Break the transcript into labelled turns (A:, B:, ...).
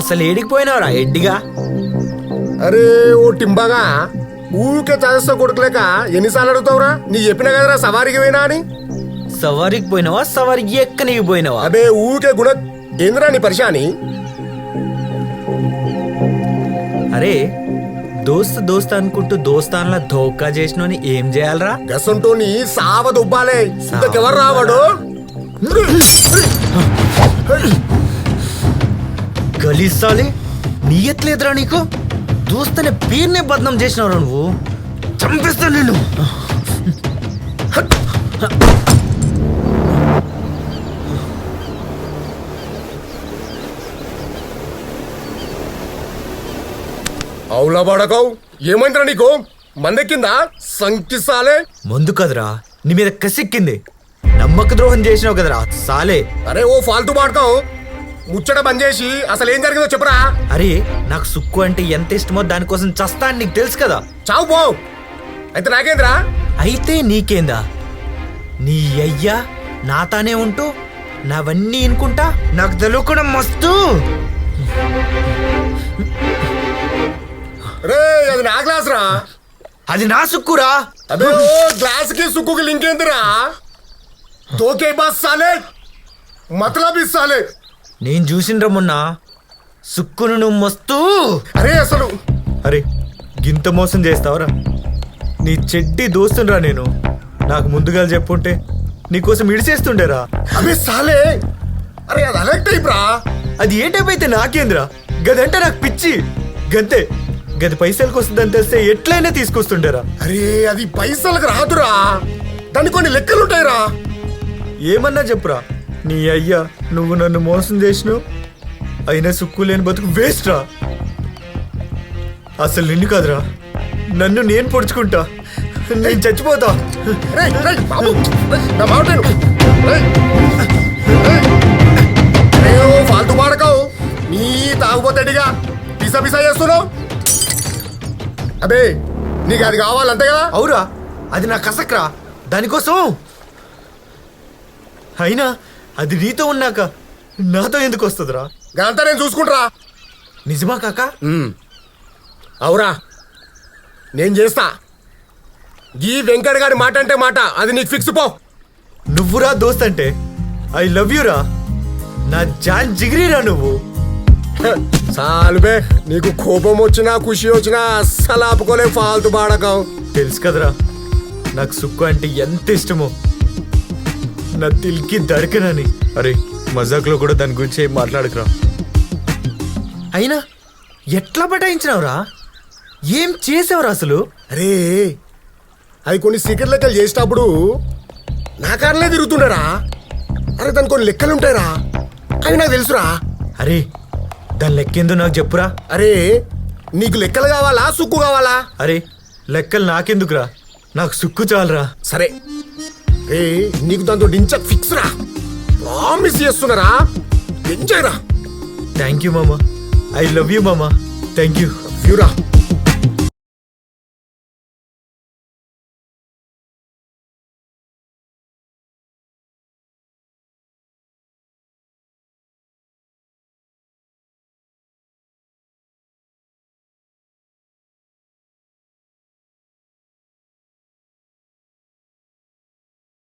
A: అసలు ఏడికిపోయినావురా ఎడ్డిగా?
B: అరే ఓ టింబాగా ఊరికే చదస్తా కొడుకులేక ఎన్నిసార్లు అడుగుతావురా? నీ చెప్పిన కదరా సవారికి పోయినా అని.
A: సవారికి పోయినావా సవారికి ఎక్కనికి పోయినావా?
B: అబే ఊరికే గుణ ఏంద్రా నీ పరిశాని?
A: అరే దోస్త్ అనుకుంటూ దోస్తాన్లా ధోకా చేసినోని ఏం చేయాలరా?
B: గసంటోని సావ దుబ్బాలే. ఇంతకెవరు రావాడు?
A: గలీసాలే నీయట్లేదురా నీకు? దోస్తనే పేరునే బద్నాం చేసినవరా నువ్వు? చంపేస్తా నేను.
B: అవులా పడకవు. ఏమైందిరా నీకు? మందెక్కిందా సంకిసాలే?
A: ముందు కదరా నీ మీద కసిక్కింది. నమ్మక ద్రోహం చేసినావు కదరా సాలే.
B: అరే ఓ ఫాల్తూ పాడకావు. ముచ్చట బంద్ చేసి అసలు ఏం జరిగిందో చెప్పరా?
A: అరే నాకు సుక్కు అంటే ఎంత ఇష్టమో దానికోసం చస్తా అని నీకు తెలుసు కదా.
B: చావు పో. అయితే నాకేంద్రా?
A: అయితే నీకేందా? నీ అయ్యా నాతానే ఉంటూ నావన్నీ ఇనుకుంటా నాకు తెలియకుండా మస్తు.
B: రే అది నా గ్లాస్ రా.
A: అది నా సుక్కురా.
B: అదే ఓ గ్లాస్ కి సుక్కుకి లింక్ ఏందిరా? తోకే బాస్ సాలే మతలబ్ ఇస్తాలే.
A: నేను చూసిండ్రా మొన్న సుక్కును నువ్వు మస్తు.
B: అరే అసలు
A: అరే గింత మోసం చేస్తావరా? నీ చెడ్డి దోస్తుండ్రా నేను. నాకు ముందుగా చెప్పుంటే నీకోసం ఇడిచేస్తుండేరా.
B: అబే సాలే. అరే అది అలెక్ట్ అయిప్రా.
A: అది ఏ టైప్ అయితే నాకేంద్రా? గదంటే నాకు పిచ్చి. గంతే గది పైసలకు వస్తుందని తెలిస్తే ఎట్లయినా తీసుకొస్తుండేరా.
B: అరే అది పైసలకు రాదురా. దానికి కొన్ని లెక్కలుంటాయిరా.
A: ఏమన్నా చెప్పురా. నీ అయ్యా నువ్వు నన్ను మోసం చేసినావు. అయినా సుక్కు లేని బతుకు వేస్ట్ రా. అసలు నిన్ను కాదురా నన్ను నేను పొడుచుకుంటా. నేను చచ్చిపోతా.
B: రేయ్ రేయ్ బాబు నా మాట విను. రేయ్ రేయ్ ఓ ఫాల్తూ పాడకావు. నీ తాగుపోతాడిగా పిసా పిసా చేస్తున్నావు. అబే నీకు అది కావాలంతే కదా?
A: అవురా అది నా కసక్రా. దానికోసం అయినా అది నీతో ఉన్నాక నాతో ఎందుకు వస్తుందిరా?
B: అంతా నేను చూసుకుంటారా.
A: నిజమా కాకా?
B: అవురా నేను చేస్తా. ఈ వెంకట్ గారి మాట అంటే మాట. అది నీకు ఫిక్స్ పో.
A: నువ్వురా దోస్త్ అంటే ఐ లవ్ యూ రా. నా జాన్ జిగిరిరా నువ్వు.
B: సాలుబే నీకు కోపం వచ్చినా ఖుషి వచ్చినా అస్సలు ఆపుకోలే ఫాల్తూ పాడకం.
A: తెలుసు కదరా నాకు సుక్కు అంటే ఎంత ఇష్టమో. నా తిల్కి దడకనని. అరే మజాక్లో కూడా దాని గురించి ఏం మాట్లాడకురా. అయినా ఎట్లా బటాయించినావురా? ఏం చేసావురా అసలు?
B: అరే అది కొన్ని సీక్రెట్ లెక్కలు చేసేటప్పుడు నా కారణలే తిరుగుతుండరా. అరే దాని కొన్ని లెక్కలు ఉంటాయిరా. అవి నాకు తెలుసురా.
A: అరే దాని లెక్కేందో నాకు చెప్పురా.
B: అరే నీకు లెక్కలు కావాలా సుక్కు కావాలా?
A: అరే లెక్కలు నాకెందుకురా, నాకు సుక్కు చాలరా.
B: సరే రే నీకు దాంతో డించక్ ఫిక్స్ రా. ప్రామిస్ చేస్తున్నారా. ఎంజాయ్ రా.
A: థ్యాంక్ యూ మామా. ఐ లవ్ యూ మామా. Thank you.
B: ఫ్యూరా.